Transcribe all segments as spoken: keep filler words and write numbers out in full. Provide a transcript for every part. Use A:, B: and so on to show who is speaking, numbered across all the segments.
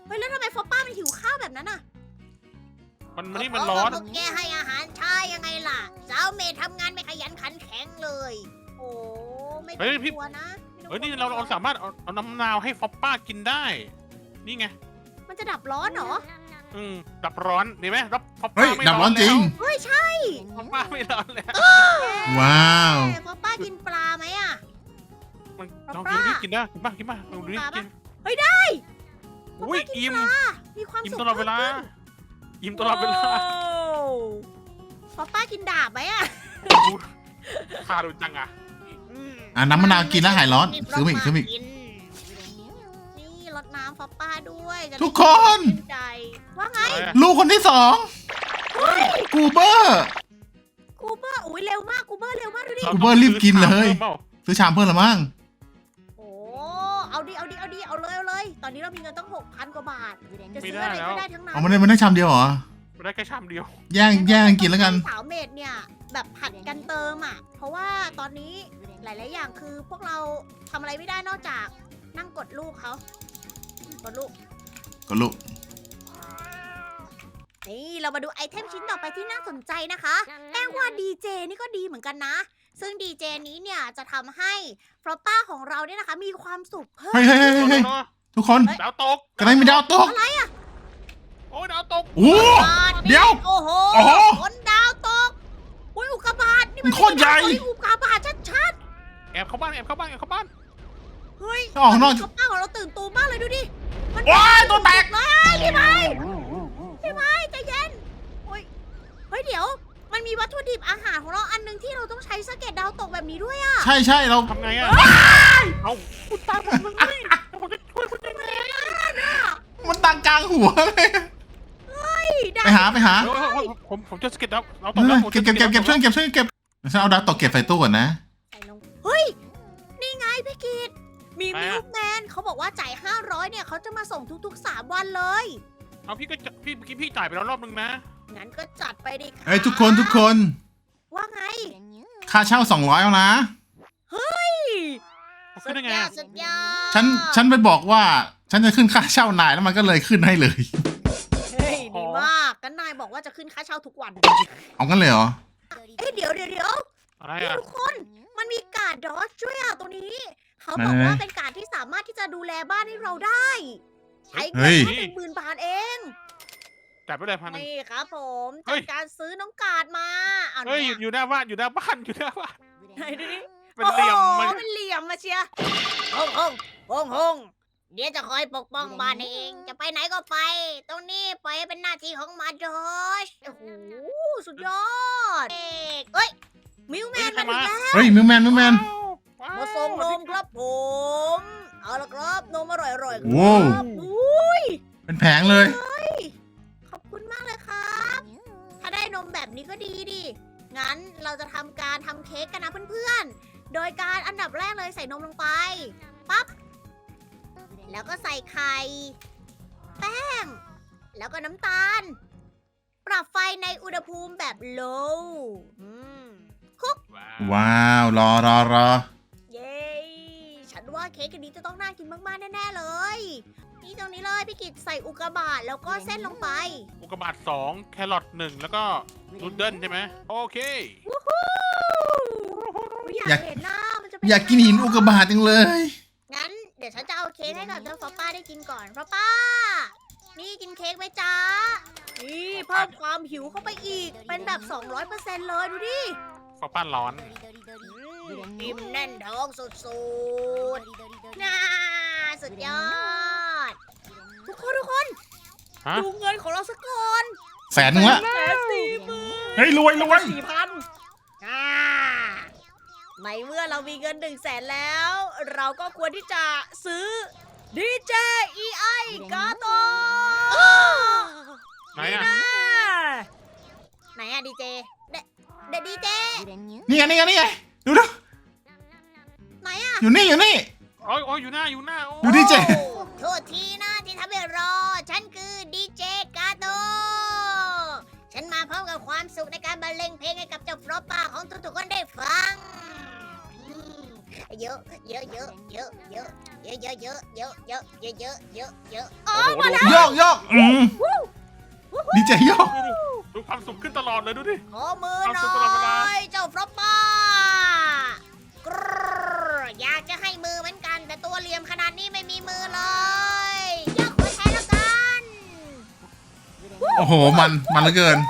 A: เฮ้ยแล้วทำไมฟอปป้ามันหิวข้าวแบบนั้นอ่ะ
B: มันมันนี่มันร้อน
A: พวกแกให้อาหารช้ายังไงล่ะสาวเมย์ทำงานไม่ขยันขันแข็งเลย โอ้ไม่ต้องกลัวนะ
B: เฮ้ยนี่เราเราสามารถเอาเอาน้ำมะนาวให้ฟอปป้ากินได้ นี่ไง
A: มันจะดับร้อนเหรอ
B: อืมดับร้อนดีไหมรับฟอป
C: เฮ้
B: ป้าย ไม่
C: ดับร้อนจริง
A: เฮ้ยใช่
B: ฟอปป้าไม่ร้อนแล้ว
C: ว้าว
A: แต่ฟอปป้ากินปลาไหมอ่ะ
B: มัน
A: ฟ
B: ล
A: อ
B: อง
A: ปป้า
B: ดูดิกินได้กินป่ะกินป่ะลองดูดิ
A: ปลาปะ
B: กิน
A: เฮ้ยได้
B: อุ้ยอิ่ม
A: มีความ
B: อิ่ม
A: สุข
B: ตลอดเวลา
A: พิ่มขึ้น
B: อิ่มตลอดเวลา
A: โอ้ฟอปป้ากินดาบไหมอ่ะ
B: ทาดูจังอ่ะ
C: อ่ะน้ำมะนาวกินแล้วหายร้อนซื้อมาอีกซื้อมาอีก
A: นี่รดน้ำฟอปป้าด้วยจะได้
C: ทุกคน
A: ชื่ใจว่าไง
C: ลูกคนที่สองกูเบอร์
A: กูเบอร์อุ้ยเร็วมากกูเบอร์เร็วมากดูดิ
C: กูเบอร์รีบกินเลย
B: พิ่มปา
C: ซื้อชามเพิ่มละมั้ง
A: โอ้เอาดิเอาดิเอาดิเอาเลยเอาเลย ตอนนี้เรามีเงินตั้งหกพันกว่าบาทจะ
B: ไม่
A: ซื้อ
B: ได้
A: อะไร
B: แล้ว
A: ก็ได้ทั้งนั้น
C: เอามาได้มาได้ชามเดียวเหรอ
B: ไม่ได้แค่ชามเดียว
C: แย่งแย่งกินแล้วกัน
A: สาวเมดเนี่ยแบบผัดกันเติมอ่ะ เพราะว่าตอนนี้หลาย ๆ อย่างคือพวกเราทำอะไรไม่ได้นอกจากนั่งกดลูกเขากดลูก
C: ก็ลูก
A: นี่เรามาดูไอเทมชิ้นต่อไปที่น่าสนใจนะคะแป้งว่าดีเจนี่ก็ดีเหมือนกันนะ ซึ่งดีเจนี้เนี่ยจะทำให้ฟลอปป้าของเราเนี่ยนะคะ มีความสุขเพิ่ม
C: เฮ้ยเฮ้ยเฮ้ยเฮ้ยทุกคน
B: ดาวตก
C: กระไรมีดาวตก
A: อะไรอ่ะ
B: โอ้ยดาวตก
C: โอ้ เดี๋ยว
A: โอ้โห
C: โอ้โห
A: ฝนดาวตกอุ้ยอุกกาบาตนี่
C: มันโคตรใหญ่
A: อุกกาบาตชัด
B: แอบเข้าบ้านแอบเข้าบ้านแอบเข้าบ้าน
A: ๆเฮ้ย
C: ออกข้างนอก
A: ฟลอปป้าของเราตื่นตูมมากเลยดูดิมัน
C: ว้ายตัวแตก
A: เลยพี่ไม้พี่ไม้ใจเย็นโอ้ยเฮ้ยเดี๋ยว มันมีวัตถุดิบอาหารของเราอันหนึงที่เราต้องใช้สะเก็ดดาวตกแบบนี้ด้วยอะ
C: ใช่ใช่เรา
B: ทำไงอ่ะเอาคุณตายผมเลยผมจะช่วยคุณยังไง
C: มันตังกลางหัวเลย
A: ได้
C: ไปหาไปหา
B: เดี๋ยวผมผมจะสเก็ตดาวเราต
C: เอก
B: แล้
C: อ
B: วผม
C: เก็บเก็บเก็บเก็บช่วยเก็บช่วยเก็บฉันเอาดาวตกเก็บใส่ตู้ก่อนนะ
A: ใส่ลงเฮ้ย นี่ไงพี่กิตมีมิลแมนเขาบอกว่าจ่ายห้าร้อยเนี่ยเขาจะมาส่งทุกๆสามวันเลย
B: เอาพี่ก็พี่พี่พี่จ่ายไปแล้วรอบนึงนะ
A: งั้นก็จัดไปดิค่ะ
C: เฮ้ยทุกคนทุกคน
A: ว่าไง
C: ค่าเช่าสองร้อยเอานะ
B: ขึ้
A: สุ
B: น
A: ด
B: ได้ไง
A: ยอ
B: อะ
A: ดสุดยอด
C: ฉันฉันไปบอกว่า ฉันจะขึ้นค่าเช่านายแล้วมันก็เลยขึ้นให้เลย
A: เฮ้ยดีมากกันนายบอกว่าจะขึ้นค่าเช่าทุกวัน
C: เอากันเลยเหรอ
A: เอ้ยเดี๋ยวเดี๋ยวเดี๋ยว
B: อะไร
A: นี่
B: อ่ะ
A: ทุกคน มันมีการ์ดดอสช่วยอ่ะตัวนี้ เขาบอกว่าเป็นการ์ดที่สามารถที่จะดูแลบ้านให้เราได้ ใช้เงินแค่หนึ่งหมื่นบาทเอง
B: จ่ายไปเลยพันหนึ่ง
A: นี่ครับผม
B: เฮ้
A: จาก
B: ย
A: การซื้อน้องการ์ดมาเอา
B: เฮ้ย
A: เนี่ย
B: อยู่หน้าบ้านอยู่หน้าบ้านอยู่หน้าบ้าน
A: ไหนดูดิ
B: เป็นเหลี่ยม
A: โอ้
B: มัน
A: โหเป็นเหลี่ยมมาเชียร์ฮงฮงฮงฮงเดี๋ยวจะคอยปกป้องบ้านเอง จะไปไหนก็ไป ตรงนี้ปล่อยให้เป็นหน้าที่ของมาดอชโอ้โห สุดยอดเอกเอ้ย มิวแมนมาถึงแล้ว
C: เฮ้ยมิวแมนมิวแมน
B: ว้าว
A: มาส่งนมครับผม เอาละครับนมอร่อยๆค
C: โว้
A: รั
C: ว
A: บอุ้ย
C: เป็นแผงเลย
A: ขอบคุณมากเลยครับ ถ้าได้นมแบบนี้ก็ดีดิ งั้นเราจะทำการทำเค้กกันนะเพื่อนๆ โดยการอันดับแรกเลยใส่นมลงไป ปั๊บ แล้วก็ใส่ไข่ แป้ง แล้วก็น้ำตาล ปรับไฟในอุณหภูมิแบบ low อืม
C: ว้าวรอรอรอ
A: เย้ ฉันว่าเค้กอันนี้จะต้องน่ากินมากๆแน่ๆเลย นี่ตรงนี้เลยพี่กิตใส่อุกกาบาตแล้วก็เส้นลงไป
B: อุกกาบาตสองแครอทหนึ่งแล้วก็นูดเดิลใช่ไหมโอเค
A: อยากเห็นหน้ามันจะเป็น
C: อยากกินหินอุกกาบาตจังเลย
A: งั้นเดี๋ยวฉันจะเอาเค้กให้กับเจ้าฟอปป้าได้กินก่อนฟอปป้า นี่กินเค้กไหมจ๊ะ นี่เพิ่มความหิวเข้าไปอีก เป็นแบบ สองร้อยเปอร์เซ็นต์ เลยดูดิ
B: ฟ้าป้านร้อน
A: อืมอิ่มแน่นท้องสุดๆน่าสุดยอด ทุกคนทุกคน
B: ฮะ
A: ดูเงินของเราสักก่อน
C: แสนหนึงละ
A: แสนสี่หมื่น
C: เฮ้ยรวยรวย
A: สี่พันอ่าในเมื่อเรามีเงินหนึ่งแสนแล้ว เราก็ควรที่จะซื้อดีเจ อี ไอ กาโต
B: ไหนอ่ะ
A: ไหนอะดีเจเดเดดีเจ
C: นี่ไงนี่ไงนี่ไงดูดู
A: ไหนอะ
C: อยู่นี่อยู่นี่
B: โอ้ยโอ้ยอยู่หน้าอยู่หน้าโอ้ย
C: ดูดีเจ
A: โอ้โทษทีนะที่ทำให้รอ ฉันคือดีเจกาโต ฉันมาพร้อมกับความสุขในการบรรเลงเพลงให้กับเจ้าฟลอปป้าของทุกๆคนได้ฟังเยอะเยอะเยอะเยอะเยอะเยอะเยอะเยอะเยอะเยอะเยอะเยอะเยอะเยอะอ๋อ
B: โอ้โห
A: มาแล้ว
C: โยกโยกอืมดีใจโยก
B: ดูความสุขขึ้นตลอดเลยดูดิ
A: ขอมือห
B: เอา
A: น่
B: สุดตลอดเวลา
A: อยเจ้าฟรอปป้ากรรอยากจะให้มือเหมือนกัน แต่ตัวเหลี่ยมขนาดนี้ไม่มีมือเลยยกหัวแทนแล้วกัน
C: โอ้โหมันมันเหลือเกิน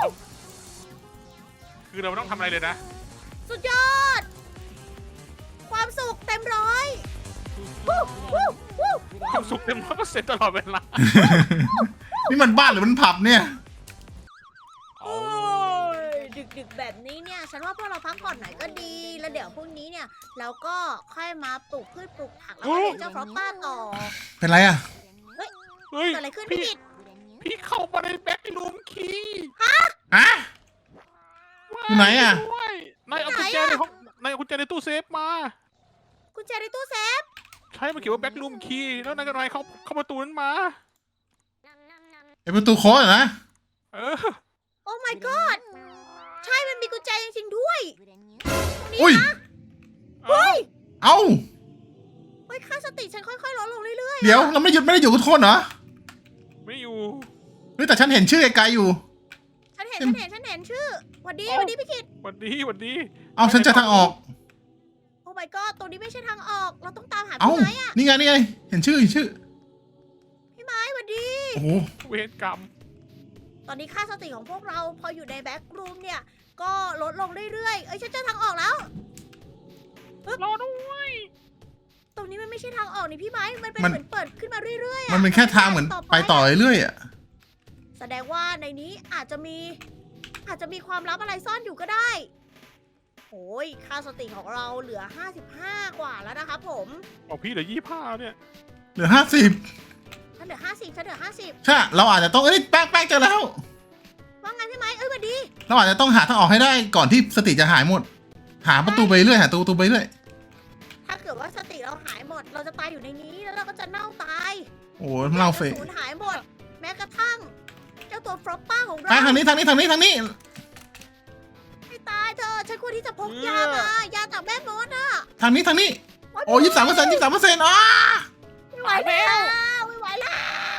B: คือเราไม่ต้องทำอะไรเลยนะ
A: สุดยอด ความสุขเต็มร้อยวู้วู้วู้
B: ความสุขเต็มร้อยเปอร์เซ็นต์ตลอดเวลา
C: นี่มันบ้านหรือมันผับเนี่ย
A: โอ้ยดึกๆแบบนี้เนี่ย ฉันว่าพวกเราพักผ่อนหน่อยก็ดี แล้วเดี๋ยวพรุ่งนี้เนี่ย เราก็ค่อยมาปลูกพืชปลูกผักแล้วก็เลี้ยงเจ้าฟรอปป้าต่อ
C: เป็นไรอ่ะ
B: เฮ้ย
A: เกิดอะไรขึ้นพี่กิต
B: พี่เข้ามาในแบ็ครูมคีย์
C: ฮะ อยู่ไหนอะ
B: ด้วยนายเอากุญแจในห้องนายเอากุญแจในตู้เซฟมา
A: กุญแจในตู้เซฟ
B: ใช่มันเขียนว่าแบ็ครูมคีย์แล้วนายก็นายเข้าเข้าประตูนั้นมา
C: ไอประตูโค้ดอะนะ
B: เออ
A: โอ้ my god ใช่มันมีกุญแจจริงๆด้วย
C: อุ้ย
A: เฮ้ย
C: เอ้า
A: เฮ้ยค่าสติฉันค่อยๆลดลงเรื่อยๆ
C: เดี๋ยวเราไม่หยุดไม่ได้อยู่กับทุกคนเหรอ
B: ไม่อยู่
C: เฮ้ยแต่ฉันเห็นชื่อไกลๆอยู่
A: ฉันเห็นฉันเห็นฉันเห็นชื่อหวัดดีหวัดดีพี่กิต
B: หวันดีหวันดี
C: เอาฉันเจะทางออก
A: โอ้ my god ตรงนี้ไม่ใช่ทางออก เราต้องตามหา
C: เอ้า
A: พี่ไม้อะ
C: นี่ไงนี่ไง เห็นชื่อเห็นชื่อ
A: พี่ไม้หวัดดี
C: โอ้โห
B: เวรกรรม
A: ตอนนี้ค่าสติของพวกเราพออยู่ในแบ็กรูมเนี่ย ก็ลดลงเรื่อยๆ เอ้ยฉันเจอทางออกแล้ว
B: รอด้วย
A: ตรงนี้มันไม่ใช่ทางออกนี่พี่ไม้ มันเป็น
C: มัน
A: เหมือนเปิดขึ้นมาเรื่อยๆอะ
C: มันเป็นแค่ทางเหมือนไปต่อเรื่อยๆอ่ะ
A: แสดงว่าในนี้อาจจะมี อาจจะมีความลับอะไรซ่อนอยู่ก็ได้ โอ้ยค่าสติของเราเหลือห้าสิบห้ากว่าแล้วนะครับผม
B: บอกพี่เหลือยี่ห้าเนี่ย
C: เหลือห้าสิบ
A: ฉันเหลือห้าสิบฉันเหลือห้าสิบ
C: ใช่เราอาจจะต้องเอ้ยแป้งแป้งเจอแล้ว
A: ว่าไงพี่ไม้เอ้ยหวัดดี
C: เราอาจจะต้องหาทางออกให้ได้ก่อนที่สติจะหายหมด หาประตูไปเรื่อยหาประตูไปเรื่อย
A: ถ้าเกิดว่าสติเราหายหมด เราจะตายอยู่ในนี้แล้วเราก็จะเน่าตาย
C: โอ้โหเราเฟะ
A: สูญหายหมด แม้กระทั่ง เจ้าตัวฟรอปป้าของเรา
C: ไปทางนี้ทางนี้ทางนี้ทางนี้
A: ให้ตายเธอะฉันควรที่จะพกยามายาจากแม่มดอะ
C: ทางนี้ทางนี้ โอ้ยี่สิบสามเปอร์เซ็นต์ยี่สิบสามเปอร์เซ็นต์อ๋อ
A: ไม่ไหวแล้วไม่ไหวแล้ว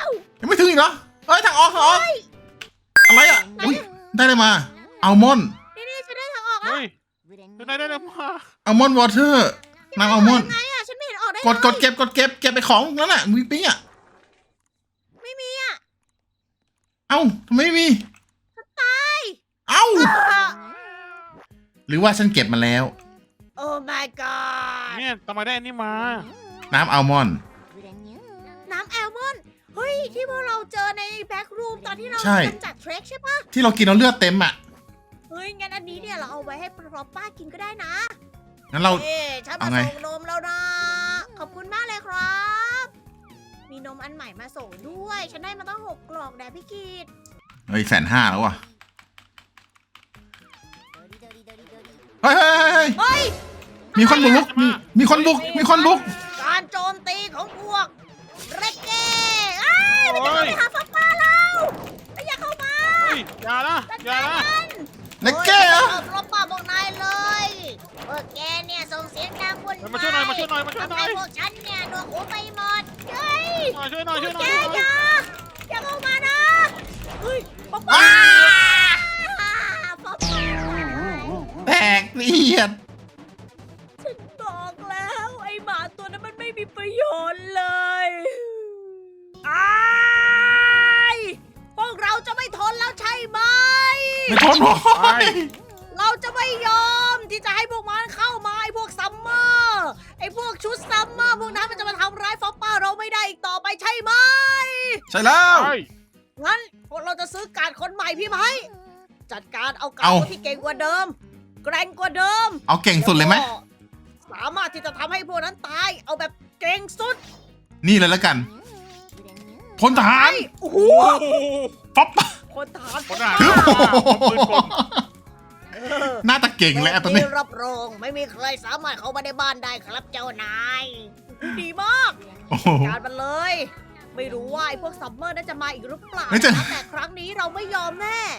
C: ยังไม่ถึงอีกเหรอเอ้ยทางออกทางออกอะไรอ่ะอุ้ยได้เลยมาอัลมอนด์
A: นี่นี่ฉันได้ทางออกแล้ว
B: เฮ้ยนายได้แล้วมา
C: อัลมอนด์วอเตอร์น้ำอัลมอนด์
A: ไงอะฉันไม่เห็นออกได้
C: กดกดเก็บกดเก็บเก็บไปของนั่นน่ะมีปิ้งอ่ะ
A: ไม่มีอะ
C: เอ้าทำไมไม่มี
A: ตาย
C: เอ้า
A: อ่ะ
C: หรือว่าฉันเก็บมาแล้ว
A: โอ้ my god
B: เนี่ยทำไมได้อันนี้มา
C: น้ำอัลมอนด์
A: น้ำแอลมอนด์เฮ้ย ที่พวกเราเจอในแบ็กรูมตอนที่เรา
C: ใช่
A: ทำจากเทรคใช่ปะ
C: ที่เรากินเราเลือดเต็มอ่ะ
A: เฮ้ย งั้นอันนี้เนี่ยเราเอาไว้ให้ฟรอปป้ากินก็ได้นะ
C: งั้นเรา
A: เอ๊ะฉันมา
C: เอาไง
A: ส่งนมแล้วนะ ขอบคุณมากเลยครับ มีนมอันใหม่มาส่งด้วย ฉันได้มาตั้งหกกล่องแด่พี่กีด
C: เฮ้ยแสนห้าแล้วว่ะเฮ้ยเฮ้ยเฮ้ยเฮ้ย
A: เฮ้ย
C: มีคนบุกมีมีคนบุกมีคนบุก
A: การโจมตีของพวกเรกเก้เอ้ยมันจะ
B: โอ้
A: เข้าย ไปหาฟรอปป้าเราไม่อยากเข้ามา
B: เฮ้ยอย่านะอย่านะ
C: เล็กเก้เหรอ
A: ฟรอปป้าบอกนายเลยพวกแกเนี่ยส่งเสียงดังวุ่น
B: มาช่วยหน่อยมาช่วยหน่อยมาช่วยหน่
A: ทำ
B: อย
A: ให้พวกฉันเนี่ยหนวกหูไปหมดเฮ้ย
B: ช่วยหน่อยช่วยหน่อย
A: แก
B: ช่วยหน่อย
A: อย่าอย่าเข้ามานะเฮ้ยฟรอปป้า
C: อ้า
A: ฟรอปป้า
C: แตกเลียด
A: ฉันบอกแล้วไอ้หมาตัวนั้นมันไม่มีประโยชน์เลยอ้ายพวกเราจะไม่ทนแล้วใช่ไหม
C: ไม่ทนหรอก
A: เราจะไม่ยอมที่จะให้พวกมันเข้ามาไอ้พวกซัมเมอร์ไอ้พวกชุดซัมเมอร์พวกนั้นมันจะมาทำร้ายฟอปป้าเราไม่ได้อีกต่อไปใช่ไหม
C: ใช่แล้ว
B: เฮ้ย
A: งั้นพวกเราจะซื้อการดคนใหม่พี่ไหมจัดการเอาการ
C: เอา
A: ดที่เก่งกว่าเดิม แกร่งกว่าเดิม
C: เอาเก่งสุดเลยไหม
A: แวก็สามารถที่จะทำให้พวกนั้นตายเอาแบบเก่งสุด
C: นี่เลยแล้วกันพลทหาร
A: โอ้โห
B: โอ้โห
C: ป๊อป
A: คนทหาร
B: คนทหาร
C: ถือ
B: ปืนกล
A: เออ
C: หน้าตาเก่งแล้วตอนนี้
A: มีรับรองไม่มีใครสามารถเข้ามาในบ้านได้ครับเจ้านายดีมาก
C: โอ้โห
A: การมันเลย ไม่รู้ว่าไอ้พวกซัมเมอร์น่าจะมาอีกหรือเปล่า
C: เฮ้ยจะ
A: นะแต่ครั้งนี้เราไม่ยอมแน่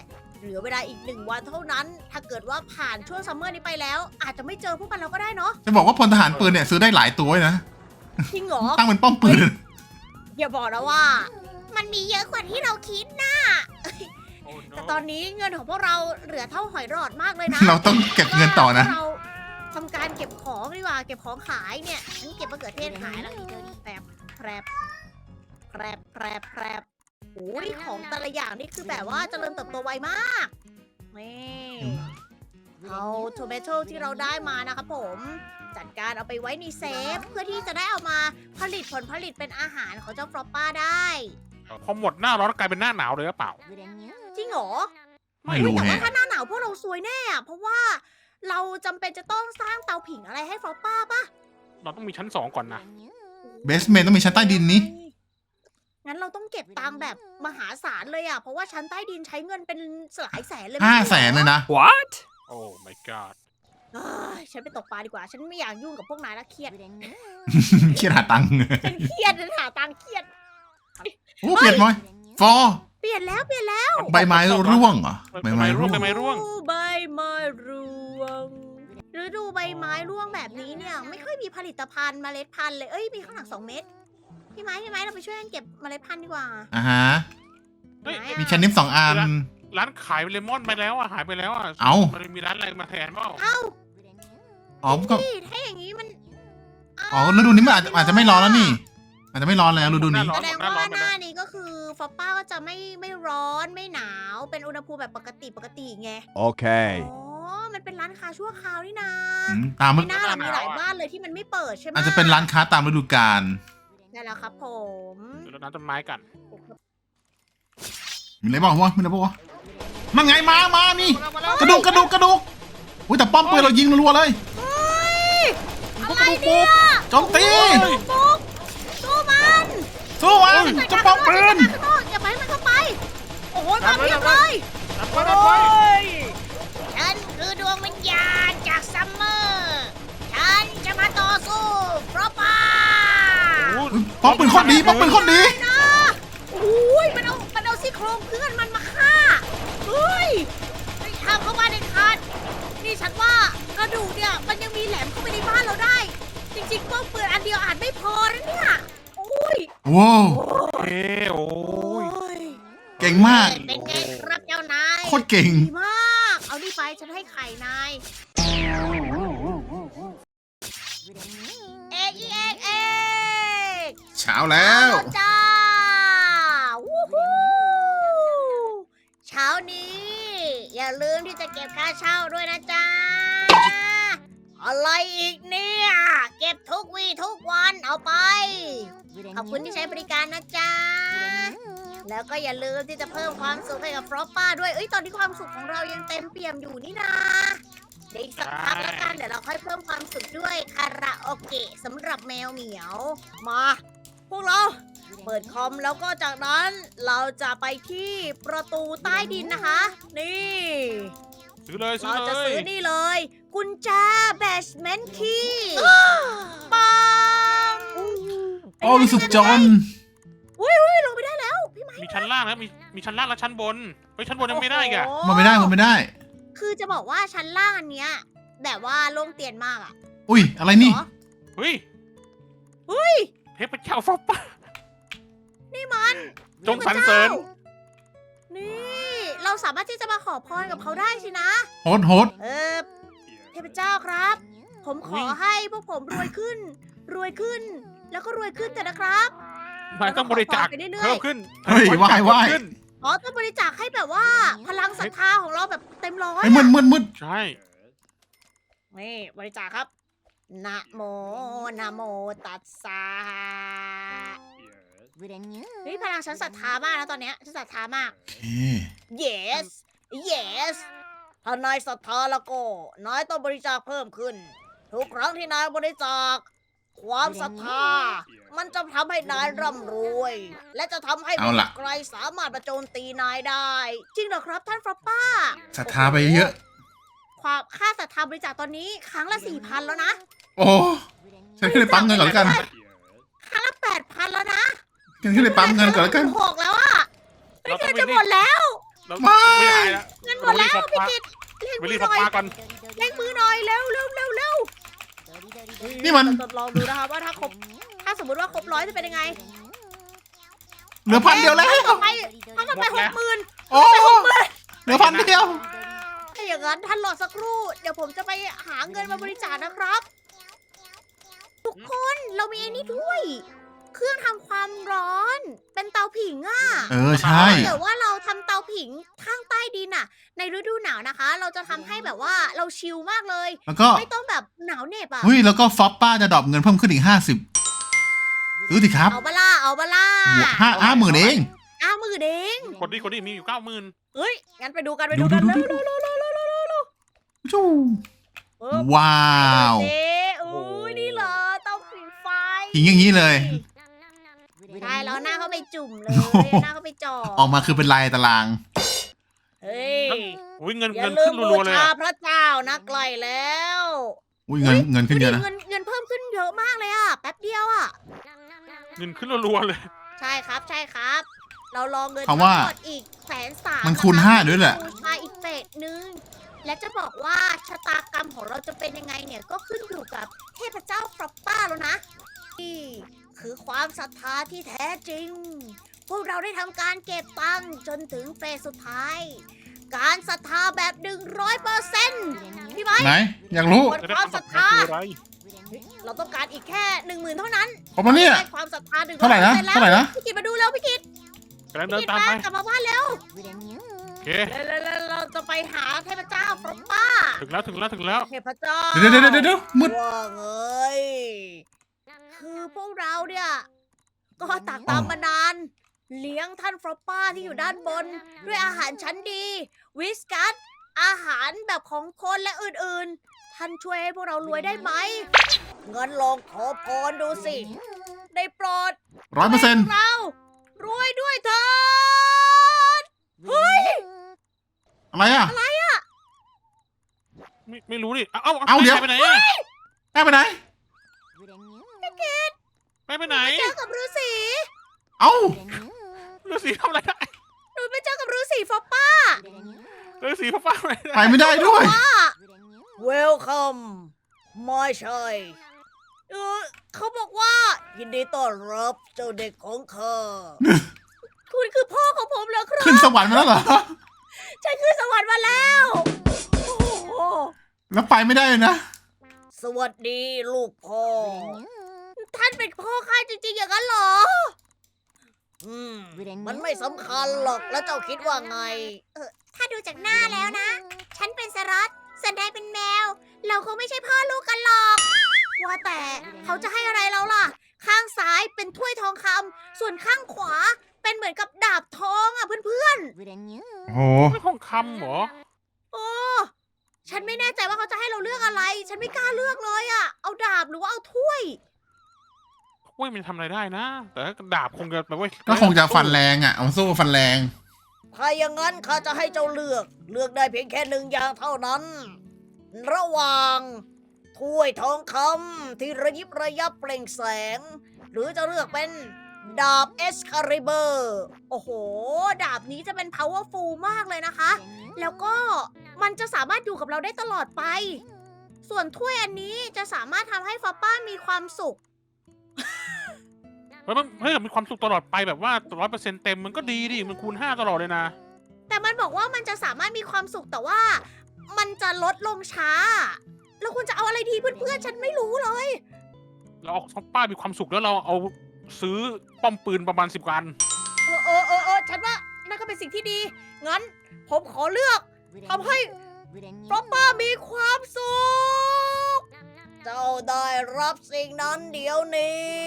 A: เหลือเวลาอีกหนึ่งวันเท่านั้น ถ้าเกิดว่าผ่านช่วงซัมเมอร์นี้ไปแล้ว อาจจะไม่เจอพวกมันเราก็ได้เนาะ
C: จะบอกว่าพลทหารปืนเนี่ยซื้อได้หลายตัวเลยนะ
A: จริงเหรอ
C: ตั้งเป็นป้อมปืน
A: อย่าบอกนะว่า มันมีเยอะกว่าที่เราคิดนะ
B: โอ้ no
A: แต่ตอนนี้เงินของพวกเราเหลือเท่าหอยหลอดมากเลยนะ
C: เราต้องเก็บเงินต่อนะ
A: เราทำการเก็บของดีกว่า เก็บของขายเนี่ยฉันเก็บมะเขือเทศขายแล้วอีกเดี๋ยวนี้แปรบแปรบแปรบแปรบแปรบโอ้ยของแต่ละอย่างนี่คือแบบว่าเจริญเติบโตไวมากนี่เอาโทเมโตที่เราได้มานะครับผม จัดการเอาไปไว้ในเซฟ เพื่อที่จะได้เอามาผลิตผลผลิตเป็นอาหารของเจ้าฟลอปป้าได้
B: พอหมดหน้าร้อนกลายเป็นหน้าหนาวเลยหรือเปล่า
A: จริงเหรอ
C: ไม่
A: อุ๊ย
C: รู้
A: แต่ว่า
C: แฮะ
A: ถ้าหน้าหนาวพวกเราซวยแน่อะเพราะว่าเราจำเป็นจะต้องสร้างเตาผิงอะไรให้ฟลอปป้าปะ
B: เราต้องมีชั้นสองก่อนนะ
C: เบสเมนต้องมีชั้นใต้ดินนี้
A: งั้นเราต้องเก็บตังค์แบบมหาศาลเลยอ่ะ เพราะว่าชั้นใต้ดินใช้เงินเป็นหลายแสนเลย
C: ห้า
A: ไม่
C: แส
A: ใช่
C: น
A: หรอ
C: เลยนะ
D: What?
B: โอ้ my god
A: เอ้ยฉันไปตกปลาดีกว่า ฉันไม่อยากยุ่งกับพวกนายละเครียด
C: เครียดหาตังค์
A: ฉันเครียดฉันหาตังค์เครียด
C: โอ้เปลี่ยนไหมฟอ
A: เปลี่ยนแล้วเปลี่ยนแล้ว
C: ใบไม้ร่วงเหรอใบไม้ร่วง
B: ใบไม้ร่วง
A: ฤดูใบไม้ร่วงฤดูใบไม้ร่วงแบบนี้เนี่ย ไม่ค่อยมีผลิตภัณฑ์เมล็ดพันธุ์เลย เอ้ยมีข้างหลังสองเม็ดพี่ไม้พี่ไม้เราไปช่วยกันเก็บเมล็ดพันธุ์ดีกว่า
C: อ่าฮะ
B: เฮ้ย
A: ไหนอะ
C: มีชั้นนิมสองอัน
B: ร้านขายเลมอนไปแล้วอ่ะหายไปแล้วอ่ะ
C: เอ้า
B: มันมีร้านอะไรมาแทนเปล่า
A: เอ้า
C: อ๋อก็
A: พี่ถ้าอย่างนี้มัน
C: อ๋อฤดูนี้มันอาจจะอาจจะไม่ร้อนแล้วนี่ อาจจะไม่ร้อนแล้วฤดูนี้
A: แสดงว่าหน้านี้ก็คือฟอปป้าก็จะไม่ไม่ร้อนไม่หนาว เป็นอุณหภูมิแบบปกติปกติไง
D: Okay.
A: อ๋อ มันเป็นร้านค้าชั่วคราวนี่นะ
C: อืมตาม
A: ไม่น่าหรอกมีหลายบ้านเลยที่มันไม่เปิดใช่ไหม
C: อาจจะเป็นร้านค้าตามฤดูกาล
A: นั่นแหละครับผม
B: เดี๋ยวเราน้ำต้นไม้กัน
C: มีอะไรบ้างวะมีอะไรบ้างวะนั่นไงมามานี่
B: มาแล้ว
C: กระดูกกระดูกกระดูกอุ้ยแต่ป้อมปืนเรายิงรัวๆเลย
A: เฮ้ย
B: กระดูกปุ๊บ
C: โจมตี
A: ปุ๊กสู้มัน
C: สู้มันเจะป้อมปืน
A: ข้างนอกอย่าไปให้มันเข้าไป โอ้โหมาเพียบเลย
B: น้ำไว้น้ำไว้
A: ฉันคือดวงวิญญาณจากซัมเมอร์ ฉันจะมาต่อสู้ฟลอปป้า
B: โอ้
C: อุ๊ยป้อมปืนโคตรดีป้อมปืนโคตรดี
A: นะโอ้ยมันเอา มันเอาซี่โครงเพื่อนมันมาฆ่า เฮ้ยไม่ทำเข้ามาในคันนี่ฉันว่ากระดูกเนี่ยมันยังมีแหลมเข้าไปในบ้านเราได้ จริงๆป้อมปืนอันเดียวอาจไม่พอนะเนี่ย โอ้ย
C: ว้าว
B: เอ้โอ้ย
A: ย
C: เก่งมาก
A: เป็นไงครับเจ้านาย
C: โคตรเก่ง
A: ดีมาก เอานี่ไปฉันให้ไข่นาย เอกอีเอกเอก
C: เช้าแล้ว
A: เอาจ้าวู้ฮู้เช้านี้ อย่าลืมที่จะเก็บค่าเช่าด้วยนะจ๊ะ อะไรอีกเนี่ย เก็บทุกวี่ทุกวันเอาไป ขอบคุณที่ใช้บริการนะจ๊ะ แล้วก็อย่าลืมที่จะเพิ่มความสุขให้กับฟลอปป้าด้วย เอ้ย ตอนนี้ความสุขของเรายังเต็มเปี่ยมอยู่นี่นะเดี๋ยวอีกสักพักแล้วกัน เดี๋ยวเราค่อยเพิ่มความสุขด้วยคาราโอเกะสำหรับแมวเหมียว มา พวกเรา เปิดคอมแล้วก็จากนั้นเราจะไปที่ประตูใต้ดินนะคะ นี่
B: ซื้อเลยซื้อ
A: เรา
B: เล
A: จะ
B: ย
A: ซื้อนี่เลย กุญแจแบชเมนต์คีย์ปัง
C: โอ้รู้สึกจน
A: อุ้ยอุ้ยลงไปได้แล้วพี่ไม้
B: มีชั้นล่างแล้วมีมีชั้นล่างและชั้นบนเฮ้ยชั้นบนยังไม่ได้อีกอะ
A: โอ้โห
C: มันไม่ได้มันไม่ได้
A: คือจะบอกว่าชั้นล่างอันเนี้ยแบบว่าโล่งเตียนมากอะ
C: อุ้ยอะไรนี่
A: เหรอ
B: เฮ้ย
A: เฮ้ย
B: เทพเจ้าฟอปป้า
A: นี่มัน
B: จงสรรเสริญ
A: นี่ เราสามารถที่จะมาขอพรกับเขาได้สินะ
C: โฮดโฮด
A: เออเทพเจ้าครับ ผมขอให้พวกผมรวยขึ้น รวยขึ้น แล้วก็รวยขึ้นเถอะนะครับ
B: นายต้องบริจาค
A: ไปเรื่อยๆ
B: เพิ่มขึ้น
C: เฮ้ยไหว้ไหว้
B: เพิ่มขึ้น
A: อ๋อต้องบริจาคให้แบบว่า พลังศรัทธาของเราแบบเต็มร้อย
C: ไอ้มืดมืดมืด
B: ใช่
A: นี่บริจาคครับนะโมนะโมตัสสะเฮ้ยพลังฉันศรัทธามากนะตอนเนี้ยฉันศรัทธามาก
C: โอเค
A: yes yes ถ้านายศรัทธาแล้วก็นายต้องบริจาคเพิ่มขึ้น ทุกครั้งที่นายบริจาค ความศรัทธา มันจะทำให้นายร่ำรวย และจะทำให้
C: เอาล่ะ
A: ใครสามารถมาโจมตีนายได้ จริงเหรอครับท่านฟรอปป้า
C: ศรัทธาไปเยอะ
A: ความค่าศรัทธาบริจาคตอนนี้ครั้งละสี่พันแล้วนะ
C: โอ้ฉันขึ้นไปปั๊มเงินก่อนแล้วกัน
A: ครั้งละแปดพันแล้วนะ
C: ฉันขึ้นไปปั๊มเงินก่อนแล้วกัน
A: หกแล้วอะ
B: เรา
A: เงิ
B: ต้อง
A: นจะ
B: ไป
A: หมดแล้ว
B: เรา
C: ไม่
B: ไม่ได้แล้ว
A: เงินหหมดแล้วพี่กิตเร่ง
B: ไป
A: มื
B: รี
A: อบ ห
B: ฟอ
A: น่อย
B: ปป้ากัน
A: เร่งมือหน่อยเร็วเร็วเร็วเร็ว
C: นี่มัน
A: ทดลองดูนะครับว่าถ้าครบถ้าสมมติว่าครบร้อยจะเป็นยังไง
C: เหลือพันเดียวแล้ว
A: ท่านต่อไปท่านต่อไปหกหมื่น
C: โอ้เหลือพันเดียว
A: ถ้าอย่างนั้นท่านรอสักครู่ เดี๋ยวผมจะไปหาเงินมาบริจาคนะครับ ทุกคนเรามีไอ้นี่ด้วย เครื่องทำความร้อน เป็นเตาผิงอ่ะ
C: เออใช่
A: ถ้าเกิดว่าเราทำเตาผิงข้างใต้ดินอ่ะ ในฤดูหนาวนะคะ เราจะทำให้แบบว่าเราชิลมากเลย
C: แล้วก็
A: ไม่ต้องแบบหนาวเหน็บอ่ะ
C: เฮ้ยแล้วก็ฟอปป้าจะดรอปเงินเพิ่มขึ้นอีกห้าสิบซื้อสิครับ
A: เอาบล่าเอาบล่า
C: บวกห้าห้าหมื่นเอง
A: อ้าวมือเด้ง
B: คนนี้คนนี้มีอยู่เก้าหมื่น
A: เฮ้ย งั้นไปดูกันไป
C: ดู
A: ดูกัน
C: ดู
A: เร็ว
C: ดู
A: เร็วเร็วเร็วเร็วเร็วเร็ว
C: จู้
A: เออ
C: ว้าว
A: เจ๊อุ้ยนี่เหรอเตาผิงไฟ
C: หิงอย่างนี้เลย
A: ใช่แล้วหน้าเขาไปจุ่มเลย
C: โอ้โห
A: หน้าเขาไปจ่อ
C: ออกมาคือเป็นลายตาราง
A: เฮ้ย
B: อุ้ยเงิน
A: อย่า
B: เงิน
A: ลื
B: ขึ้
A: ม
B: น
A: บู
B: รัวๆเลย
A: ชา
B: อะ
A: พระเจ้านะไกลแล้ว
C: อุ้ยเงินเงินขึ้นเยอะนะ
A: เงินเงินเพิ่มขึ้นเยอะมากเลยอ่ะแป๊บเดียวอ่ะ
B: เงินขึ้นรัวๆเลย
A: ใช่ครับใช่ครับ เราลองเงิน
C: เพราะว่า
A: ทั้งหมดอีกแสนสาม
C: มันคูณห้าด้วยแหละ
A: บูชาอีกเฟสหนึ่งและจะบอกว่าชะตากรรมของเราจะเป็นยังไงเนี่ยก็ขึ้นอยู่กับเทพเจ้าฟรอปป้าแล้วนะนี่คือความศรัทธาที่แท้จริง พวกเราได้ทำการเก็บตังค์จนถึงเฟสสุดท้าย การศรัทธาแบบหนึ่งร้อยเปอร์เซ็นต์พี่ไม้
C: ไหน อยากรู้
A: บน
B: จะได้
A: ความ
B: คำต
A: ศ
B: อ
A: รั
B: บ
A: ท
B: คือ
A: ธา
B: อะไร
A: เราต้องการอีกแค่หนึ่งหมื่นเท่านั้น
C: ครบแล้วเนี่ย
A: ได้ความศรัทธาหนึ่ง
C: เท่าไหร่นะเท่าไหร่นะ
A: พี่กิตมาดูแล้วพี่กิต
B: กำลังเดิ
A: พี่
B: น
A: กิต
B: ตาม
A: มา
B: ไป
A: กลับมาบ้านแล้ว
B: โอเค
A: แล้วเราจะไปหาเทพเจ้าฟรอปป้า
B: ถึงแล้วถึงแล้วถึงแล้ว
A: เทพเจ้า
C: เดี๋ยวเดี๋ยวเดี๋ยวเดี๋ยวมืด
A: ว่าเงยคือพวกเราเนี่ย ก็ตักตามมานาน เลี้ยงท่านฟรอปป้าที่อยู่ด้านบน ด้วยอาหารชั้นดี วิสกัสอาหารแบบของคนและอื่นๆ ท่านช่วยให้พวกเรารวยได้ไหมเงินลองขอพรดูสิ ได้โปรด
C: ร้อยเปอร์เซ็นต์
A: ให้เรารวยด้วยเถิด
C: อะไรอ่ะ
B: ไม่ไม่รู้ดิเอ้า
C: เอาเดี๋ยว
B: ไปไหนอะ
C: ได้ไปไหน
B: ไปไปไหน
A: เจอกับฤาษี
C: เอ้า
B: ฤาษีทำอะไรได้
A: หนูไปเจอกับฤาษีฟอปป้า
B: ฤาษีพ่อป้าอะไร
C: ไปไม่ได้ด้วย
A: ว่า Welcome ไม่ใช่เออเขาบอกว่า ยินดีต้อนรับเจ้าเด็กของข้า คุณคือพ่อของผมเหรอครับ
C: ขึ้นสวรรค์มาแล้วเหรอ
A: ฉันขึ้นสวรรค์มาแล้ว โอ้โห
C: แล้วไปไม่ได้เลยนะ
A: สวัสดีลูกพ่อ ท่านเป็นพ่อข้าจริงๆอย่างนั้นเหรอ อืม มันไม่สำคัญหรอก แล้วเจ้าคิดว่าไง เออ ถ้าดูจากหน้าแล้วนะ ฉันเป็นสรัตส่วนนายเป็นแมว เราคงไม่ใช่พ่อลูกกันหรอก ว่าแต่เขาจะให้อะไรเราล่ะ ข้างซ้ายเป็นถ้วยทองคำ ส่วนข้างขวาเป็นเหมือนกับดาบทองอ่ะเพื่อน
C: โอ้โห
B: ไม่ทองคำเหรอ
A: ๆ โอ้ ฉันไม่แน่ใจว่าเขาจะให้เราเลือกอะไร ฉันไม่กล้าเลือกเลยอ่ะ เอาดาบหรือว่าเอาถ้วย
B: โอ้ยมันทำอะไรได้นะ แต่ดาบคงจะแบบว่า
C: ก็คงจะฟันแรงอ่ะ เอามาสู้ฟันแรง
A: ถ้าอย่างนั้นข้าจะให้เจ้าเลือก เลือกได้เพียงแค่หนึ่งอย่างเท่านั้น ระหว่างถ้วยทองคำที่ระยิบระยับเปล่งแสง หรือจะเลือกเป็นดาบเอสคาริเบอร์โอ้โห ดาบนี้จะเป็น powerful มากเลยนะคะ แล้วก็มันจะสามารถอยู่กับเราได้ตลอดไป ส่วนถ้วยอันนี้จะสามารถทำให้ฟอปป้ามีความสุข
B: เฮ้ยมันเฮ้ยมีความสุขตลอดไปแบบว่าร้อยเปอร์เซ็นต์เต็มมันก็ดีดิ มันคูณห้าตลอดเลยนะ
A: แต่มันบอกว่ามันจะสามารถมีความสุขแต่ว่า มันจะลดลงช้า เราควรจะเอาอะไรดีเพื่อนๆ ฉันไม่รู้เลย
B: เราเอาพ่อป้ามีความสุขแล้วเราเอาซื้อป้อมปืนประมาณสิบกัน
A: เออเออเออเออฉันว่านั่นก็เป็นสิ่งที่ดี งั้น ผมขอเลือกทำให้ฟรอปป้ามีความสุข เจ้าได้รับสิ่งนั้นเดี๋ยวนี้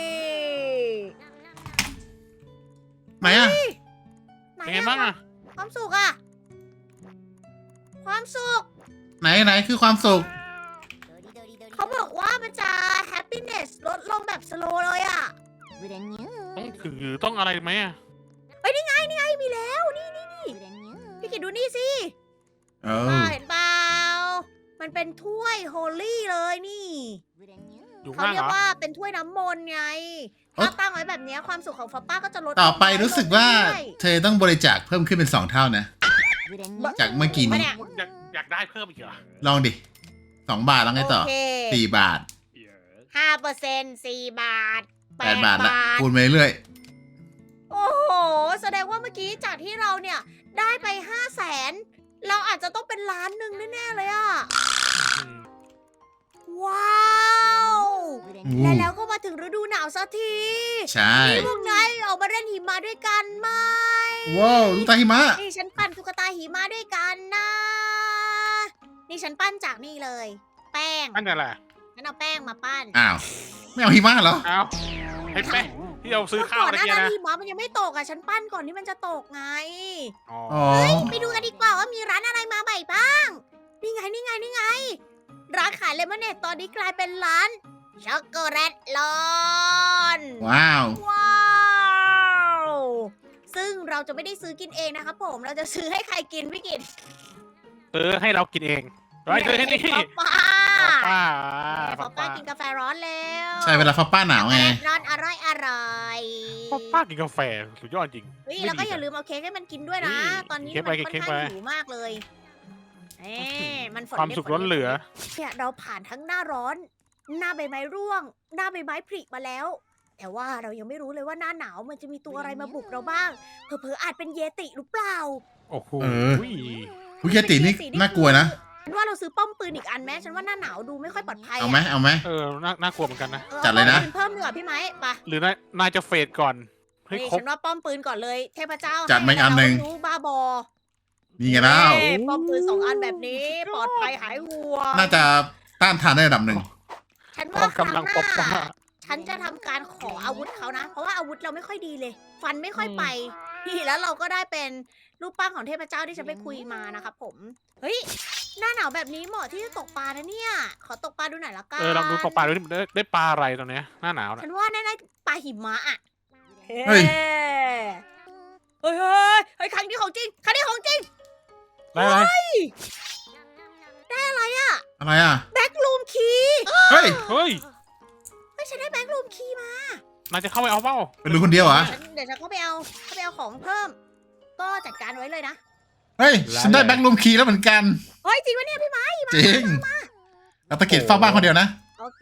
C: ไหนอ่ะ
A: ไหน
B: เป็นไงบ้างอะ
A: ความสุขอะความสุข
C: ไหนไหนคือความสุข
A: เขาบอกว่ามันจะ happiness ลดลงแบบสโลเลยอะ
B: ต้องถือต้องอะไรไหมอะ
A: เฮ้ยนี่ไงนี่ไงมีแล้วนี่นี่นี่พี่กิดดูนี่สิ
C: เอ
A: ป้า
C: อ
A: เห็นเปล่ามันเป็นถ้วยโฮลี่เลยนี่
B: อยู่
A: เขา
B: ข้าง
A: เรี
B: เห
A: ย
B: ร
A: ก
B: อ
A: ว่าเป็นถ้วยน้ำมนต์ไง
C: เอ้ย
A: ถ้าตั้งไว้แบบเนี้ยความสุขของฟอปป้าก็จะลด
C: ต่อไป
A: ลงน้ย
C: รู้สึกว่า
A: ลงเรื่อย
C: เธอต้องบริจาคเพิ่มขึ้นเป็นสองเท่านะ
A: ๆ
C: จากเมื่อกี้
A: มา
C: นี้
A: เนี่ย
B: อยากอยากได้เพิ่มอีกเหรอ
C: ลองดิสองบาทแล้วไงต่อ
A: โอเค
C: สี่บาท
A: ห้าเปอร์เซ็นต์สี่บาท
C: แป
A: แป
C: ด
A: ด
C: บาทละ
A: บาท
C: คูณไปเรื่อย
A: โอ้โห แสดงว่าเมื่อกี้จากที่เราเนี่ย ได้ไปห้าแสนเราอาจจะต้องเป็นล้านหนึ่งแน่ๆเลยอะว้าว
C: อู้
A: และแล้วก็มาถึงฤดูหนาวสักที
C: ใช่
A: นี่พวกนายออกมาเล่นหิมะด้วยกันไหม
C: ว้าวลูกตาหิมะ
A: นี่ฉันปั้นตุ๊กตาหิมะด้วยกันนะ นี่ฉันปั้นจากนี่เลย แป้ง
B: อันนั้นแหละ
A: ฉันเอาแป้งมาปั้น
C: อ้าว ไม่เอาหิมะเหรอ
B: เอาให้แป้งที่เราซื้อข้าว
A: ก่อน
B: เมื่อ
A: หน้า
B: กี้
A: นั้น
B: นะ
A: หิมะมันยังไม่ตกอ่ะ ฉันปั้นก่อนที่มันจะตกไง
B: อ๋อ
C: อ๋อ
A: ไปดูกันดีกว่าว่ามีร้านอะไรมาใหม่บ้าง นี่ไงนี่ไงนี่ไง ร้านขายเลมอนเนดตอนนี้กลายเป็นร้านช็อกโกแลตลอน
C: ว้าว
A: ว้าว ซึ่งเราจะไม่ได้ซื้อกินเองนะครับผม เราจะซื้อให้ใครกินไม่กิน
B: ซื้อให้เรากินเองร้อยซื้อให้นี่
A: ป้า
B: ป้า
A: ป้าป้ากินกาแฟร้อนแล้ว
C: ใช่เวลาฟ้าป้าหนาวไง
A: ร้อนอร่อยอร่อย
B: ป้าป้ากินกาแฟสุดยอดจริง
A: เฮ้ยแล้วก็อย่าลืมเอาเค้กให้มันกินด้วยนะ
B: นี่
A: ตอนนี้
B: เค้
A: มั
B: ก
A: น
B: ไป
A: ค่อน
B: เค้ก
A: ข้าง
B: ไป
A: หิวมากเลยเอ๊ะมันฝน
B: ความ
A: ได้
B: สุข
A: ฝ
B: ล้นเหลือ
A: เนี่ยเราผ่านทั้งหน้าร้อน หน้าใบไม้ร่วง หน้าใบไม้ผลิมาแล้ว แต่ว่าเรายังไม่รู้เลยว่าหน้าหนาวมันจะมีตัวอะไรมาบุกเราบ้าง เผลอๆอาจเป็นเยติหรือเปล่า
B: โอ้โห
C: เออ คุยเยตินี่น่ากลัวนะ
A: ฉันว่าเราซื้อป้อมปืนอีกอันไหมฉันว่าหน้าหนาวดูไม่ค่อยปลอดภัยะ
C: เอาไหมเอาไหม
B: เออน่าน่ากลัวเหมือนกันนะ
A: ออ
C: จัดเลยนะ
A: อาป้อมปืเพิ่มดีกว่าพี่ไหมไป
B: หรือนายนายจะเฟดก่อนให้
A: นี่
B: ครบ
A: ฉันว่าป้อมปืนก่อนเลย เทพเจ้า
C: จัดมาอีกอันหนึ่ง
A: ให้เรารู้บ้าบอ
C: นี่ไงแล้ว
A: เอ้ยป้อมปืนสองอันแบบนี้ ปลอดภัยหายห่วง
C: น่าจะต้านทานได้ระดับหนึ่ง
A: ฉัน
B: กอ
A: ว่าง ครั้ง
B: กำลัง
A: ห
B: ปกป้า
A: น้าฉันจะทำการขออาวุธเขานะ เพราะว่าอาวุธเราไม่ค่อยดีเลย ฟันไม่ค่อยไปนี่แล้วเราก็ได้เป็นรูปปั้นของเทพเจ้าที่ฉันไปคุยมานะครับผม เฮ้ย หน้าหนาวแบบนี้เหมาะที่จะตกปลานะเนี่ย ขอตกปลาดูหน่อยละกัน
B: เออลองดูตกปลาดูดิได้ได้ปลาอะไรตอนเนี้ยหน้าหนาวนะ
A: ฉันว่าน่าจะปลาหิมะอ่ะ
C: เฮ้ย
A: เฮ้ยเฮ้ยเฮ้ยครั้งนี้ของจริง ครั้งนี้ของจริง
B: ได้อะไร
A: ได้อะไรอะ
C: อะไรอ่ะ
A: แบ็กลูมคีย์
C: เฮ้ย
B: เฮ้ย
A: เฮ้ยฉันได้แบ็กลูมคีย์มาน
B: ายจะเข้าไปเอาเปล่า
C: เป็นลูกคนเดียวเหรอ
A: ฉันเดี๋ยวฉันเข้าไปเอาเข้าไปเอาของเพิ่ม ก็จัดการไว้เลยนะ
C: เฮ้ย ฉันได้แบ็คลูมคีย์แล้วเหมือนกัน
A: เฮ้ยจริงวะเนี่ยพี่ไม้
C: จริงเราตะเกียบเฝ้าบ้านคนเดียวนะ
A: โอเค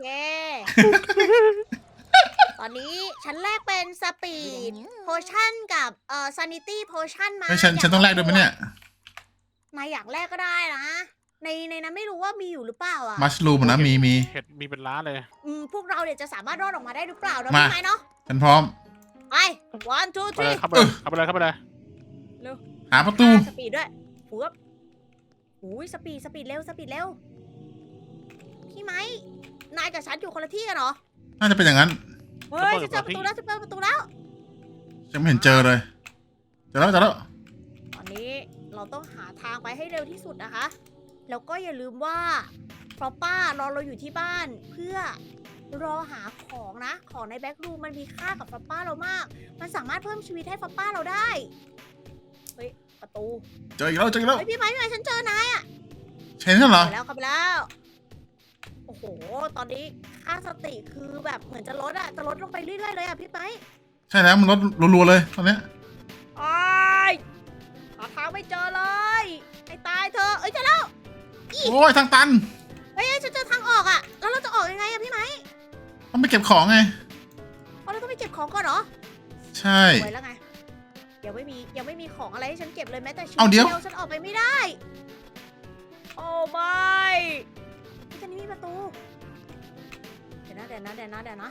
A: ตอนนี้ฉันแลกเป็นสปีดโพชั่นกับเอ่อซานิตี้โพชั่นมา
C: เฮ้ยฉันฉันต้องแลกด้วยไหมเนี่ย
A: นายอยากแลกก็ได้นะ ในในนั้นไม่รู้ว่ามีอยู่หรือเปล่าอ่ะ
C: มัชลูมนะมีมี
B: เห็ดมีเป็นล้านเลย
A: อืมพวกเราเนี่ยจะสามารถรอดออกมาได้หรือเปล่าเนาะ
C: มา
A: พี่ไม้เนาะ
C: ฉันพร้อม
A: ไป one two
B: เข้าไปเล
A: three
B: ยเข้าไปเลยเข้าไปเลยเข้าไปเลย
C: หาประตู
A: สปีดด้วยฟูบอุ้ยสปีดสปีดเร็วสปีดเร็ว พี่ไม้ นายกับฉันอยู่คนละที่กันเหรอ
C: น่าจะเป็นอย่างนั้น
A: เฮ้ยฉันเจอประตูแล้วฉันเจอประตูแล้ว
C: ฉันไม่เห็นเจอเลย เจอแล้วเจอแล้ว
A: ตอนนี้เราต้องหาทางไปให้เร็วที่สุดนะคะ แล้วก็อย่าลืมว่าฟรอปป้ารอเราอยู่ที่บ้าน เพื่อรอหาของนะ ของในแบ็กรูมมันมีค่ากับฟรอปป้าเรามาก มันสามารถเพิ่มชีวิตให้ฟรอปป้าเราได้ เฮ้ย ประตู
C: เจออีกแล้วเจออีกแล้ว
A: เฮ้ยพี่ไม้พี่ไม้ฉันเจอนาย
C: เชนนั่นเหรอ
A: เข้าไปแล้วเข้าไปแล้ว โอ้โห ตอนนี้ค่าสติคือแบบเหมือนจะลดอะจะลดลงไปเรื่อยๆเลยอะพี่ไม้
C: ใช่แล้วมันลดรัวๆเลยตอนเนี้ย
A: ไอ้ายหาทางไม่เจอเลยไอ้ตายเธอะเอ้ยเจอแล้ว
C: โอ้ยทางตัน
A: เฮ้ยฉันเจอทางออกอะแล้วเราจะออกยังไงอะพี่ไม้
C: ต้องไปเก็บของไง
A: อ๋อเราต้องไปเก็บของก่อนเหรอ
C: ใช่
A: ไว้แล้วไงยังไม่มียังไม่มีของอะไรให้ฉันเก็บเลยแม้แต่ชิ้น
C: เอาเดี๋ยว
A: ฉันออกไปไม่ได้ โอ้ไม่ที่จะนี่มีประตู เดี๋ยวนะเดี๋ยวนะเดี๋ยวนะเดี๋ยวนะ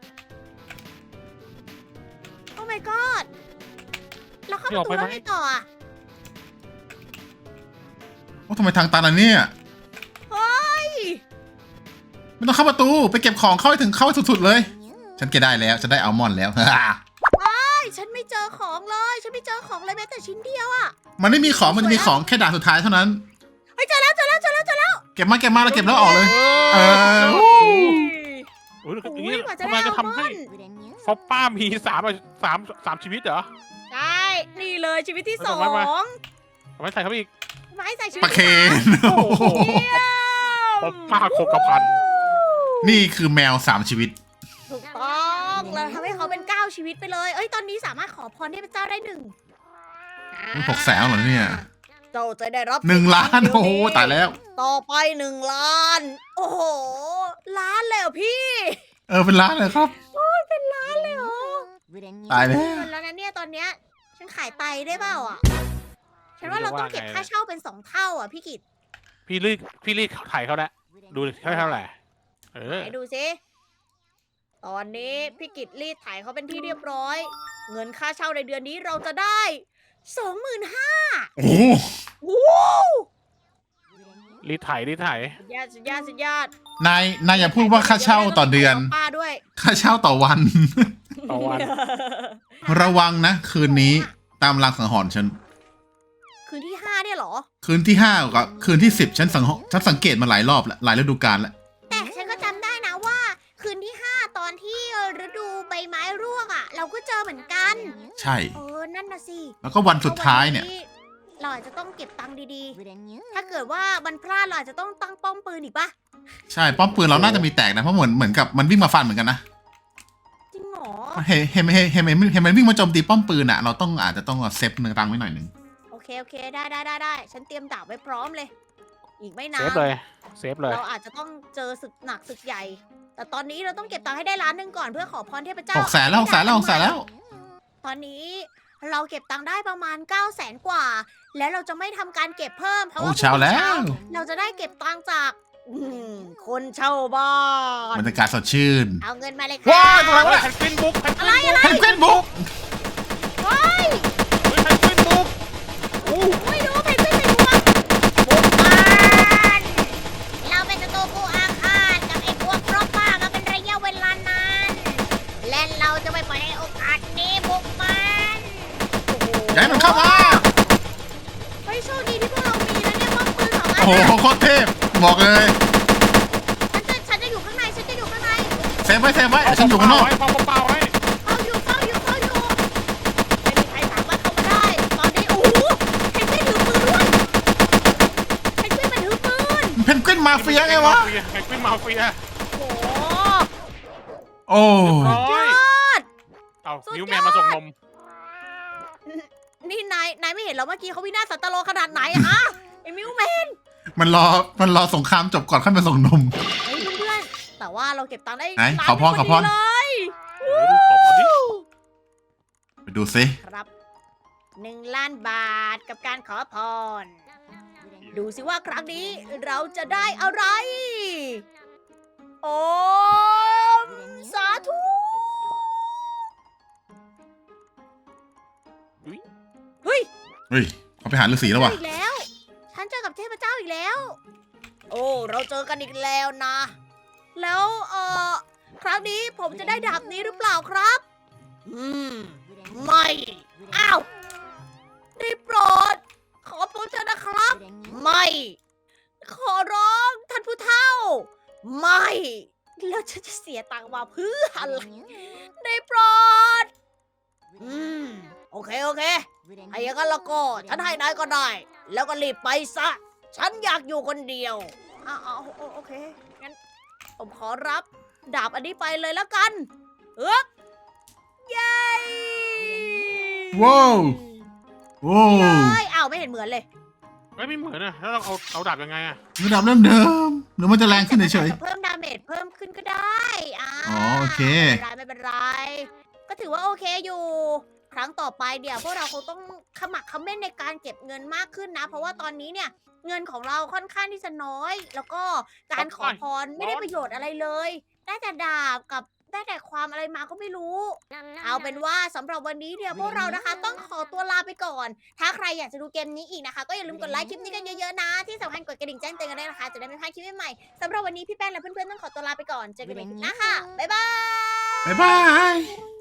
A: โอ้ my god เราเข้าประตูแล้วไงต่ออะ
C: โอ้ทำไมทางตันอันเนี้ย
A: เฮ้ย
C: ไม่ต้องเข้าประตูไปเก็บของเข้าให้ถึงเข้าให้สุดๆเลย ฉันเก็บได้แล้วฉันได้อัลมอนด์แล้ว
A: ไอ้ยฉันไม่เจอของเลย ฉันไม่เจอของเลยแม้แต่ชิ้นเดียวอะ
C: มันไม่มีของมันจะมีของแค่ด่านสุดท้ายเท่านั้น
A: เฮ้ยเจอแล้วเจอแล้วเจอแล้วเจอแล้ว
C: เก็บมาเก็บมาแล้วเก็บแล้วออกเลย เออ
B: โอ้ย
A: โอ้ย
B: อย่างนี้
A: กว่าจะ
B: ทำ
A: ได้
B: ไมจะทำให้
A: อัลมอนด์
B: ฟอปป้ามีสามสามสามชีวิตเหรอ
A: ใช่ นี่เลยชีวิตที่ส
B: เอา
A: อ
B: ไว้ไว้
A: ง
B: เอาไว้ใส่เข้าไปอีก
A: ไม้ใส่ชีวิต
C: ปลาเคน
B: โอ้โห
A: เยี่ยม
B: ฟอปป้าโคกระพัน
C: นี่คือแมวสามชีวิต
A: ถูกต้องเราทำให้เขาเป็นเก้าชีวิตไปเลย เอ้ยตอนนี้สามารถขอพรเทพเจ้าได้หนึ่ง
C: หกแสนเหรอเนี่ย
A: เจ้าจะได้รับ
C: หนึ่งล้าน
A: เดี๋ยว
C: โอ้โหตายแล้ว
A: ต่อไปหนึ่งล้าน โอ้โห ล้านเลยเหรอพี่
C: เออเป็นล้านเลยครับ
A: เป็นล้านเลยเหรอ
C: ตายแล้ว
A: เงินแล้วนะเนี่ยตอนเนี้ยฉันขายไตได้เปล่าอ่ะ ฉันว่าเราต้องเก็บค่าเช่าเป็นสองเท่าอ่ะพี่กิต
B: พี่รีดพี่รีดถ่ายเขาแล้วดูเท่าเท่าไหร่เออ
A: ไหนดูสิตอนนี้พี่กิตรีดไถ่ายเขาเป็นที่เรียบร้อย เงินค่าเช่าในเดือนนี้เราจะได้สองหมื่นห้า
C: โอ้โห
A: ว้าว
B: รีดถ่ายรีดถ่าย
A: สุดยอดสุดยอดสุดยอด
C: นายนายอย่าพูดว่าค่าเช่าต่อเดือน
A: ป้าด้วย
C: ค่าเช่าต่อวัน
B: ต่อวัน
C: ระวังนะ คืนนี้ตามรางสังหรณ์ฉัน
A: คืนที่ห้าเนี่ยเหรอ
C: คืนที่ห้ากับคืนที่สิบฉันสังฉันสังเกตมาหลายรอบแล้วหลายฤดูกาลแล้ว
A: แต่ฉันก็จำได้นะว่า คืนที่ห้าตอนที่ฤดูใบไม้ร่วงอ่ะ เราก็เจอเหมือนกัน
C: ใช่
A: เออนั่นน่ะสิ
C: แล้วก็วันสุดท้ายเนี่ย
A: เราอาจจะต้องเก็บตังค์ดีๆ ถ้าเกิดว่ามันพลาดเราอาจจะต้องตั้งป้อมปืนอีกปะ
C: ใช่ป้อมปืนเราน่าจะมีแตกนะเพราะเหมือนเหมือนกับมันวิ่งมาฟันเหมือนกันนะ
A: จริงเหรอ
C: เห็นเห็นเห็นเห็นเห็นเห็นมันวิ่งมาโจมตีป้อมปืนอ่ะเราต้องอาจจะต้องเซฟเนื้อตังไว้หน่อยหนึง
A: โอเคโอเคได้ได้ได้ได้ฉันเตรียมดาบไว้พร้อมเลย อีกไม่นา
B: เซ
A: น
B: ฟเลยเซฟเลย
A: เราอาจจะต้องเจอศึกหนักศึกใหญ่ แต่ตอนนี้เราต้องเก็บตังค์ให้ได้ล้านหนึ่งก่อนเพื่อขอพรเทพเจ้า
C: หกแสนแล้วหกแสนแล้วหกแสนแล้ว
A: ตอนนี้เราเก็บตังค์ได้ประมาณ9ก้าแสนกว่า แล้วเราจะไม่ทำการเก็บเพิ่มเพราะ
C: โอ้
A: ว่า
C: เช้าแล้ว
A: เราจะได้เก็บตังค์จากอืมคนเช่าบ้าน
C: บรรยากาศสดชื่น
A: เอาเงินมาเลย
C: ว้า
A: ค่ะ
C: ยตรงไหนวะ
B: แพนกวินบุกแพนก
A: อะไร
B: วิน
A: อะไร
C: เพนกวินบุก
A: เฮ้ย
B: เฮ้ยแพนกวินบุก
A: ไม่รู้เพนกวินเป็นพวกบุกมันเราเป็นศัตรูผู้อาฆาตกับไอ้พวกรบบ้ามาเป็นระยะเวลานานและเราจะไม่ปล่อยให้โอกาสนี้บุกมันโอ้โห
C: ย้ายมันเข้ามา
A: เฮ้ยโชคดีที่พวกเรามีนะเนี่ยป้อมปืนสองอัน
C: โอ้โห
A: น่ะ
C: โคตรเทพบอกเลย
A: ฉันจะฉันจะอยู่ข้างในฉันจะอยู่ข้างใน
C: เซฟไว้เซฟไว้ฉันอยู่ข้างนอก
B: ไว้พอเปล่าไว้
A: เฝ้าอยู่เฝ้าอยู่เฝ้าอยู่ไม่มีใครสามารถเข้ามาได้ตอนนี้โอ้โหเพนกวินถือปืนด้วยเพนกวินมันถือปืน
C: เพนกวินมาเฟียไงวะ
B: แพนกวินมาเฟีย
A: โอ้โห
C: โอ้
B: ร้
A: ย
B: อย
A: อด
B: เอา
A: สุดยอด
B: นิวแมนมาส่งนม
A: นี่นายนายไม่เห็นเหรอเมื่อกี้เขาวินาศสันตโลขนาดไหนอะฮะไอ้มิวแมน
C: มันรอมันรอสงครามจบก่อนค่อยมาส่งนม
A: เฮ้ยเพื่อนๆแต่ว่าเราเก็บตังค์ได้
C: ไหน
A: ล้าน
C: ขอพร
A: หนึ่ง
C: ขอพร
A: พดีเลย
B: เออดูขอบคุณดิ
C: ไปดูซิ
A: ครับหนึ่งล้านบาทกับการขอพร ดูสิว่าครั้งนี้เราจะได้อะไร โอ้สาธุ เฮ้ย
C: เฮ้ยเขาไปหาฤาษีแล้ววะ
A: อีกแล้ว ฉันเจอกับเทพเจ้าอีกแล้ว โอ้ เราเจอกันอีกแล้วนะ แล้วเอ่อ ครั้งนี้ผมจะได้ดาบนี้หรือเปล่าครับ อืม ไม่ อ้าวได้โปรด ขอโปรดเถอะนะครับ ไม่ ขอร้องท่านผู้เฒ่า ไม่ แล้วฉันจะเสียตังค์มาเพื่ออะไร ได้โปรด อืม โอเค โอเคไอ้อย่างนั้นแล้วก็ฉันให้นายก็ได้ แล้วก็รีบไปซะ ฉันอยากอยู่คนเดียวอ้าวโอโอเค งั้น ผมขอรับดาบอันนี้ไปเลยแล้วกันเอ๊บเย้
C: ว้าวว้า
A: เล
C: วย
A: อ้าวไม่เห็นเหมือนเลย
B: เฮ้ยไม่เหมือนอะแล้วเราเอาเอาดาบยังไงอะ
C: ระดับเริ่มเดิมหรือมันจะแรงขึ้นเฉย
A: เพิ่มดาเมจเพิ่มขึ้นก็ได้อ่า
C: อ๋อโอเค
A: ไม่เป็นไรไม่เป็นไร ก็ถือว่าโอเคอยู่ ครั้งต่อไปเดี๋ยวพวกเราคงต้องขมักเขม้นในการเก็บเงินมากขึ้นนะ เพราะว่าตอนนี้เนี่ย เงินของเราค่อนข้างที่จะน้อย แล้วก็การขอพรไม่ได้ประโยชน์อะไรเลย ได้แต่ดาบกับได้แต่ความอะไรมาก็ไม่รู้ เอาเป็นว่าสำหรับวันนี้เนี่ยพวกเรานะคะ ต้องขอตัวลาไปก่อน ถ้าใครอยากจะดูเกมนี้อีกนะคะ ก็อย่าลืมกดไลค์คลิปนี้กันเยอะๆนะ ที่สำคัญกดกระดิ่งแจ้งเตือนกันด้วยนะคะ จะได้ไม่พลาดคลิปใหม่ๆสำหรับวันนี้พี่แป้งและเพื่อนๆต้องขอตัวลาไปก่อน เจอกันใหม่คลิปหน้าค่ะ บ๊ายบาย
C: ๆบ๊ายบาย